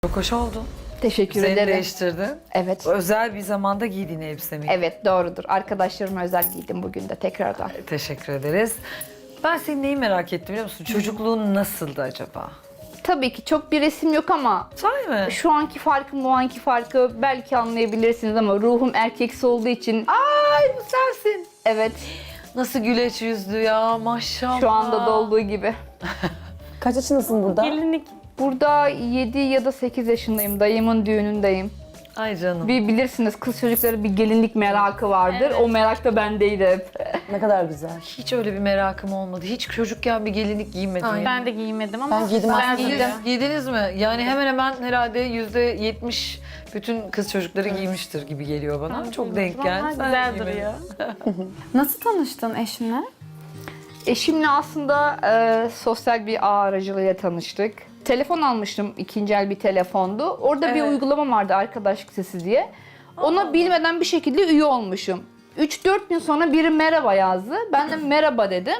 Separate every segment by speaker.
Speaker 1: Çok hoş oldu.
Speaker 2: Teşekkür
Speaker 1: Üzerini
Speaker 2: ederim.
Speaker 1: değiştirdin.
Speaker 2: Evet.
Speaker 1: Özel bir zamanda giydiğin elbise mi?
Speaker 2: Evet doğrudur. Arkadaşlarıma özel giydim bugün de tekrardan.
Speaker 1: Teşekkür ederiz. Ben senin neyi merak ettim biliyor musun? Çocukluğun nasıldı acaba?
Speaker 2: Tabii ki çok bir resim yok ama
Speaker 1: Sahi mi?
Speaker 2: şu anki farkı, bu anki farkı belki anlayabilirsiniz ama ruhum erkeksi olduğu için
Speaker 1: Ay bu sensin.
Speaker 2: evet
Speaker 1: Nasıl güleç yüzlü ya maşallah.
Speaker 2: şu anda da olduğu gibi.
Speaker 3: Kaç yaşındasın burada?
Speaker 4: Gelinlik.
Speaker 2: Burada 7 ya da 8 yaşındayım. Dayımın düğünündeyim.
Speaker 1: Ay canım.
Speaker 2: Bir bilirsiniz kız çocukları bir gelinlik merakı vardır.
Speaker 4: Evet.
Speaker 2: O merak da bendeydi hep.
Speaker 3: Ne kadar güzel.
Speaker 1: Hiç öyle bir merakım olmadı. Hiç çocukken bir gelinlik giymedim.
Speaker 3: Aynen.
Speaker 4: Ben de giymedim ama
Speaker 3: Ben giydim aslında.
Speaker 4: duruyor.
Speaker 1: Giydiniz mi? Yani hemen hemen herhalde %70 bütün kız çocukları giymiştir gibi geliyor bana. Çok denk geldi.
Speaker 4: Vallahi
Speaker 1: Sen
Speaker 4: güzel
Speaker 1: giymedin.
Speaker 4: duruyor. Nasıl tanıştın eşinle?
Speaker 2: Eşimle aslında sosyal bir ağ aracılığıyla tanıştık. Telefon almıştım, ikinci el bir telefondu. Orada bir
Speaker 1: Evet.
Speaker 2: uygulama vardı arkadaşlık sitesi diye. Ona bilmeden bir şekilde üye olmuşum. 3-4 gün sonra biri merhaba yazdı. Ben de merhaba dedim.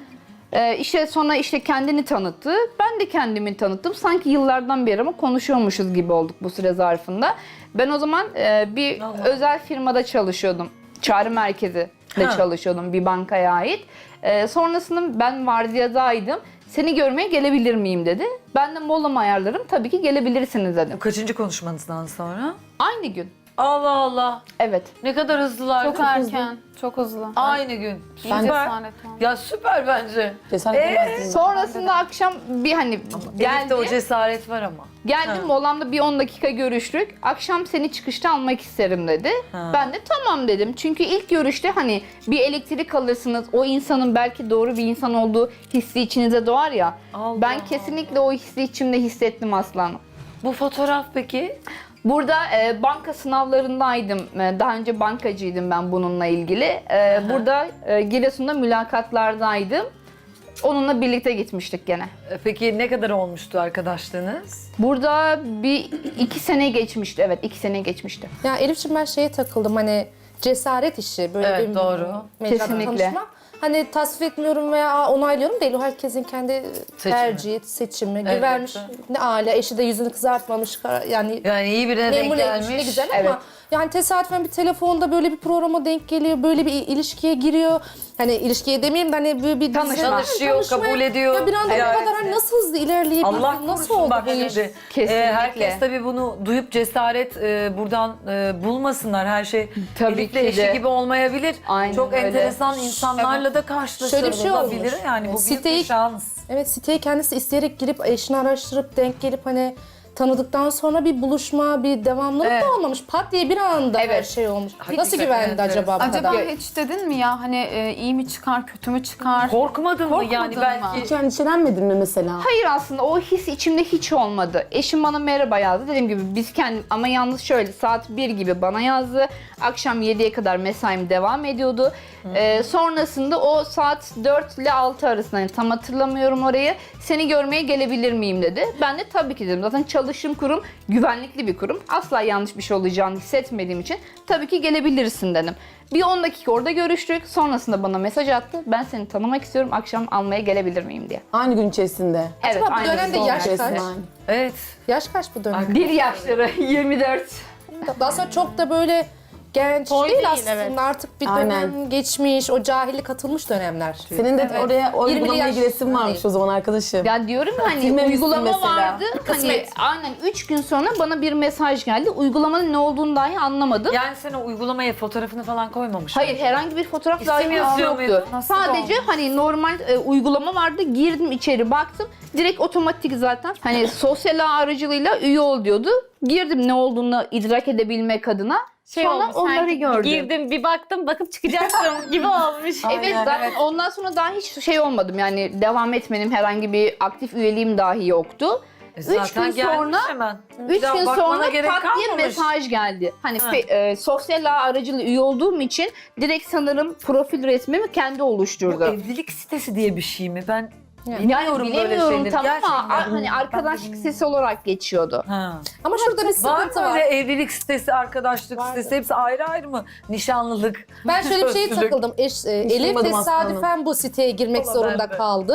Speaker 2: İşte sonra kendini tanıttı. Ben de kendimi tanıttım. Sanki yıllardan beri ama konuşuyormuşuz gibi olduk bu süre zarfında. Ben o zaman bir
Speaker 1: Allah.
Speaker 2: özel firmada çalışıyordum. Çağrı merkezi de
Speaker 1: Ha.
Speaker 2: çalışıyordum bir bankaya ait. Sonrasında ben vardiyadaydım. Seni görmeye gelebilir miyim dedi. Ben de molamı ayarlarım. Tabii ki gelebilirsiniz dedim.
Speaker 1: Bu kaçıncı konuşmanızdan sonra?
Speaker 2: Aynı gün.
Speaker 1: Allah Allah.
Speaker 2: Evet.
Speaker 1: Ne kadar hızlılar.
Speaker 4: Çok erken, çok hızlı.
Speaker 1: Aynı gün.
Speaker 4: Ben
Speaker 1: Süper.
Speaker 4: cesaret var.
Speaker 1: Ya süper bence.
Speaker 3: Cesaret edemezsin.
Speaker 2: Sonrasında akşam bir
Speaker 1: Elif'te o
Speaker 2: geldi.
Speaker 1: cesaret var ama.
Speaker 2: Geldim
Speaker 1: Ha.
Speaker 2: molamda bir 10 dakika görüştük. Akşam seni çıkışta almak isterim dedi.
Speaker 1: Ha.
Speaker 2: Ben de tamam dedim. Çünkü ilk görüşte bir elektrik alırsınız. O insanın belki doğru bir insan olduğu hissi içinize doğar ya.
Speaker 1: Allah
Speaker 2: Ben kesinlikle o hissi içimde hissettim aslanım.
Speaker 1: Bu fotoğraf peki?
Speaker 2: Burada banka sınavlarındaydım. Daha önce bankacıydım ben bununla ilgili. Burada Giresun'da mülakatlardaydım. Onunla birlikte gitmiştik gene.
Speaker 1: Peki ne kadar olmuştu arkadaşlığınız?
Speaker 2: Burada bir 2 sene geçmişti. Evet 2 sene geçmişti.
Speaker 5: Ya Elif'ciğim ben şeye takıldım hani cesaret işi böyle
Speaker 1: Evet,
Speaker 5: bir
Speaker 1: doğru.
Speaker 5: mecrada
Speaker 2: Kesinlikle.
Speaker 5: tanışma. Hani tasvip etmiyorum veya onaylıyorum değil. O herkesin kendi tercihi, seçimi.
Speaker 1: Evet,
Speaker 5: Güvermiş
Speaker 1: evet.
Speaker 5: ne aile, eşi de yüzünü kızartmamış. Yani
Speaker 1: Yani iyi birine denk
Speaker 5: memnun etmiş
Speaker 1: gelmiş.
Speaker 5: ne güzel
Speaker 2: Evet.
Speaker 5: ama yani tesadüfen bir telefonda böyle bir programa denk geliyor. Böyle bir ilişkiye giriyor. Hani ilişkiye demeyeyim de hani böyle bir
Speaker 1: Tanışıyor, kabul ediyor.
Speaker 5: Ya bir anda bu
Speaker 1: Evet.
Speaker 5: kadar hani nasıl hızlı ilerleyebilir?
Speaker 1: Allah
Speaker 5: Nasıl
Speaker 1: korusun
Speaker 5: oldu
Speaker 1: bak
Speaker 5: bu iş?
Speaker 1: şimdi.
Speaker 2: Kesinlikle.
Speaker 1: Herkes tabii bunu duyup cesaret buradan bulmasınlar. Her şey
Speaker 2: Tabii
Speaker 1: Elif'le
Speaker 2: ki
Speaker 1: eşi
Speaker 2: de.
Speaker 1: gibi olmayabilir.
Speaker 2: Aynen
Speaker 1: Çok
Speaker 2: öyle.
Speaker 1: enteresan insanlarla da
Speaker 5: Şöyle bir şey
Speaker 1: karşılaşılabilir.
Speaker 5: olmuş.
Speaker 1: Yani bu büyük bir
Speaker 5: Siteyi-
Speaker 1: şans.
Speaker 5: Evet siteye kendisi isteyerek girip eşini araştırıp denk gelip hani tanıdıktan sonra bir buluşma, bir devamlılık
Speaker 1: Evet.
Speaker 5: da olmamış. Pat diye bir anda her
Speaker 2: Evet.
Speaker 5: şey olmuş.
Speaker 1: Hakikaten
Speaker 5: Nasıl güvendi
Speaker 1: enteresan.
Speaker 5: acaba bu
Speaker 4: Acaba
Speaker 5: kadar?
Speaker 4: hiç dedin mi ya hani iyi mi çıkar, kötü mü çıkar?
Speaker 1: Korkmadın mı yani
Speaker 4: Korkmadın
Speaker 1: belki?
Speaker 4: mı?
Speaker 3: Hiç endişelenmedin mi mesela?
Speaker 2: Hayır aslında o his içimde hiç olmadı. Eşim bana merhaba yazdı. Dediğim gibi biz ama yalnız şöyle saat 1 gibi bana yazdı. Akşam 7'ye kadar mesaim devam ediyordu. Sonrasında o saat 4 ile 6 arasında yani tam hatırlamıyorum orayı. Seni görmeye gelebilir miyim dedi. Ben de tabii ki dedim. Zaten çalıştığım kurum güvenlikli bir kurum. Asla yanlış bir şey olacağını hissetmediğim için tabii ki gelebilirsin dedim. Bir 10 dakika orada görüştük. Sonrasında bana mesaj attı. Ben seni tanımak istiyorum. Akşam almaya gelebilir miyim diye.
Speaker 3: Aynı gün içerisinde.
Speaker 2: Evet,
Speaker 5: Acaba bu
Speaker 2: aynı
Speaker 5: dönemde
Speaker 2: gün.
Speaker 5: yaş kaç?
Speaker 3: Resmen.
Speaker 1: Evet.
Speaker 5: Yaş kaç bu dönem?
Speaker 2: Bir yaşları 24.
Speaker 5: Daha sonra çok da böyle genç
Speaker 4: Toy
Speaker 5: değil
Speaker 4: değil,
Speaker 5: aslında.
Speaker 4: evet.
Speaker 5: Artık bir
Speaker 3: Aynen.
Speaker 5: dönem geçmiş, o cahillik atılmış dönemler.
Speaker 3: Senin de oraya o
Speaker 5: 20'li
Speaker 3: uygulamaya
Speaker 5: yaş-
Speaker 3: giresin varmış o zaman arkadaşım.
Speaker 2: Ya diyorum ya hani
Speaker 3: Silmemişsin
Speaker 2: uygulama
Speaker 3: mesela.
Speaker 2: vardı. Hani
Speaker 5: Kısmet.
Speaker 2: aynen 3 gün sonra bana bir mesaj geldi. Uygulamanın ne olduğunu dahi anlamadım.
Speaker 1: Yani sen o uygulamaya fotoğrafını falan koymamışsın.
Speaker 2: Hayır herhangi bir fotoğraf
Speaker 1: İsim
Speaker 2: dahi
Speaker 1: yazıyor
Speaker 2: yoktu.
Speaker 1: muydu?
Speaker 4: Nasıl
Speaker 2: Sadece
Speaker 4: olmuş?
Speaker 2: hani normal uygulama vardı. Girdim içeri baktım. Direkt otomatik zaten. Hani sosyal ağ aracılığıyla üye ol diyordu. Girdim ne olduğunu idrak edebilmek adına. Sonra
Speaker 4: olmuş,
Speaker 2: onları
Speaker 4: sanki
Speaker 2: gördüm.
Speaker 4: Girdim bir baktım bakıp çıkacaktım gibi olmuş.
Speaker 2: Evet zaten ondan sonra daha hiç şey olmadım yani devam etmedim herhangi bir aktif üyeliğim dahi yoktu.
Speaker 1: Zaten
Speaker 2: 3 gün
Speaker 1: gelmiş
Speaker 2: sonra
Speaker 1: hemen.
Speaker 2: 3
Speaker 1: Daha
Speaker 2: gün
Speaker 1: bakmana
Speaker 2: sonra
Speaker 1: gerek
Speaker 2: pat diye
Speaker 1: kalmamış.
Speaker 2: mesaj geldi. Hani
Speaker 1: Ha.
Speaker 2: sosyal ağ aracılığıyla üye olduğum için direkt sanırım profil resmimi kendi
Speaker 1: Bu
Speaker 2: oluşturdu.
Speaker 1: evlilik sitesi diye bir şey mi? Ben
Speaker 2: Yani
Speaker 1: bilmiyorum böyle
Speaker 2: bilemiyorum
Speaker 1: şeyleri.
Speaker 2: tam ama
Speaker 1: Gerçekten.
Speaker 2: hani arkadaşlık sitesi olarak geçiyordu.
Speaker 1: Ha.
Speaker 5: Ama şurada bir
Speaker 1: Var
Speaker 5: sıkıntı
Speaker 1: mı
Speaker 5: var.
Speaker 1: öyle evlilik sitesi, arkadaşlık sitesi hepsi ayrı ayrı mı? Nişanlılık.
Speaker 5: Ben şöyle bir şeye
Speaker 1: sözlülük.
Speaker 5: takıldım. Elif
Speaker 3: duymadım
Speaker 5: tesadüfen bu siteye girmek
Speaker 1: Valla
Speaker 5: zorunda
Speaker 1: ben de.
Speaker 5: kaldı.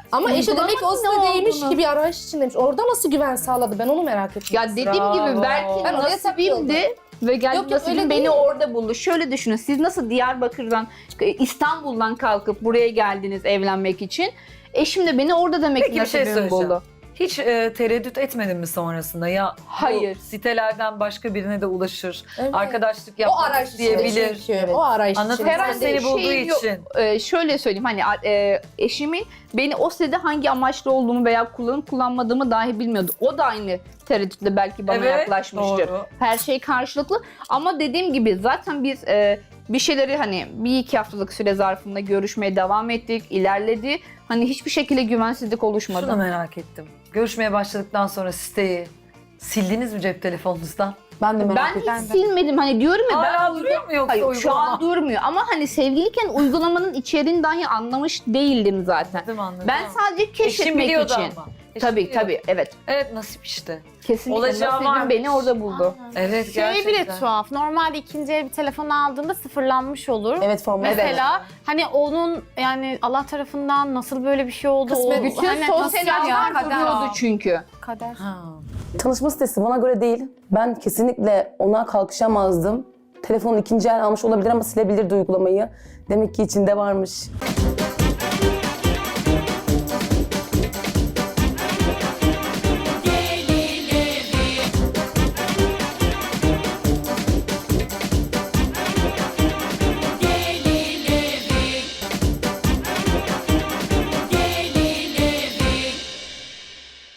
Speaker 5: Ama eşi demek ki o
Speaker 2: Uygulamanın ne
Speaker 5: sitedeymiş
Speaker 2: olduğunu.
Speaker 5: ki bir arayış içindeymiş. Orada nasıl güven sağladı? Ben onu merak ettim.
Speaker 2: Ya dediğim
Speaker 1: Bravo.
Speaker 2: gibi belki
Speaker 5: Ben oraya
Speaker 2: nasibimdi ve geldi
Speaker 5: Yok, yok, öyle
Speaker 2: nasibim beni
Speaker 5: değil.
Speaker 2: orada buldu. Şöyle düşünün, siz nasıl Diyarbakır'dan, İstanbul'dan kalkıp buraya geldiniz evlenmek için. Eşim de beni orada demek ki
Speaker 1: Peki bir şey
Speaker 2: nasibim
Speaker 1: söyleyeceğim.
Speaker 2: buldu.
Speaker 1: Hiç tereddüt etmedin mi sonrasında? Ya
Speaker 2: Hayır.
Speaker 1: bu sitelerden başka birine de ulaşır.
Speaker 5: Evet.
Speaker 1: Arkadaşlık
Speaker 5: O
Speaker 1: yapmak
Speaker 5: arayış
Speaker 1: isteyebilir.
Speaker 5: içinde çünkü. O arayış
Speaker 1: Anladın
Speaker 5: içinde.
Speaker 1: mı? Sen
Speaker 2: Herhalde
Speaker 1: seni bulduğu
Speaker 2: şey yok.
Speaker 1: için.
Speaker 2: Şöyle söyleyeyim, hani eşimin beni o sitede hangi amaçlı olduğumu veya kullanıp kullanmadığımı dahi bilmiyordu. O da aynı tereddütle belki bana
Speaker 1: Evet,
Speaker 2: yaklaşmıştır.
Speaker 1: doğru.
Speaker 2: Her şey karşılıklı ama dediğim gibi zaten biz bir şeyleri hani bir iki haftalık süre zarfında görüşmeye devam ettik, ilerledi. Hani hiçbir şekilde güvensizlik oluşmadı.
Speaker 1: Şunu merak ettim. Görüşmeye başladıktan sonra siteyi sildiniz mi cep telefonunuzdan?
Speaker 3: Ben de merak
Speaker 2: Ben
Speaker 3: ettim.
Speaker 2: hiç silmedim, hani diyorum ya
Speaker 1: Hala
Speaker 2: ben
Speaker 1: duruyor mu yoksa
Speaker 2: Hayır, şu
Speaker 1: uygulama?
Speaker 2: an durmuyor ama hani sevgiliyken uygulamanın içeriğini dahi anlamış değildim zaten.
Speaker 1: Anladım, anladım.
Speaker 2: Ben sadece
Speaker 1: Eşim
Speaker 2: keşfetmek
Speaker 1: biliyordu
Speaker 2: için.
Speaker 1: ama. Eşim
Speaker 2: Tabii
Speaker 1: biliyordu.
Speaker 2: tabii, evet.
Speaker 1: Evet, nasip işte.
Speaker 2: Kesinlikle
Speaker 1: Olacağı
Speaker 2: nasibim
Speaker 1: varmış.
Speaker 2: beni orada buldu.
Speaker 1: Evet,
Speaker 4: Şey
Speaker 1: gerçekten.
Speaker 4: bile tuhaf. Normalde ikinci el bir telefon aldığında sıfırlanmış olur.
Speaker 3: Evet, formal.
Speaker 4: Mesela hani onun yani Allah tarafından nasıl böyle bir şey oldu?
Speaker 5: Kısmet.
Speaker 4: O,
Speaker 2: Bütün
Speaker 4: hani
Speaker 2: sosyal
Speaker 4: nasıl ya?
Speaker 2: ağlar
Speaker 4: Kader.
Speaker 2: duruyordu çünkü.
Speaker 4: Kader.
Speaker 1: Ha.
Speaker 3: Tanışma sitesi bana göre değil. Ben kesinlikle ona kalkışamazdım. Telefonu ikinci el almış olabilir ama silebilirdi uygulamayı. Demek ki içinde varmış.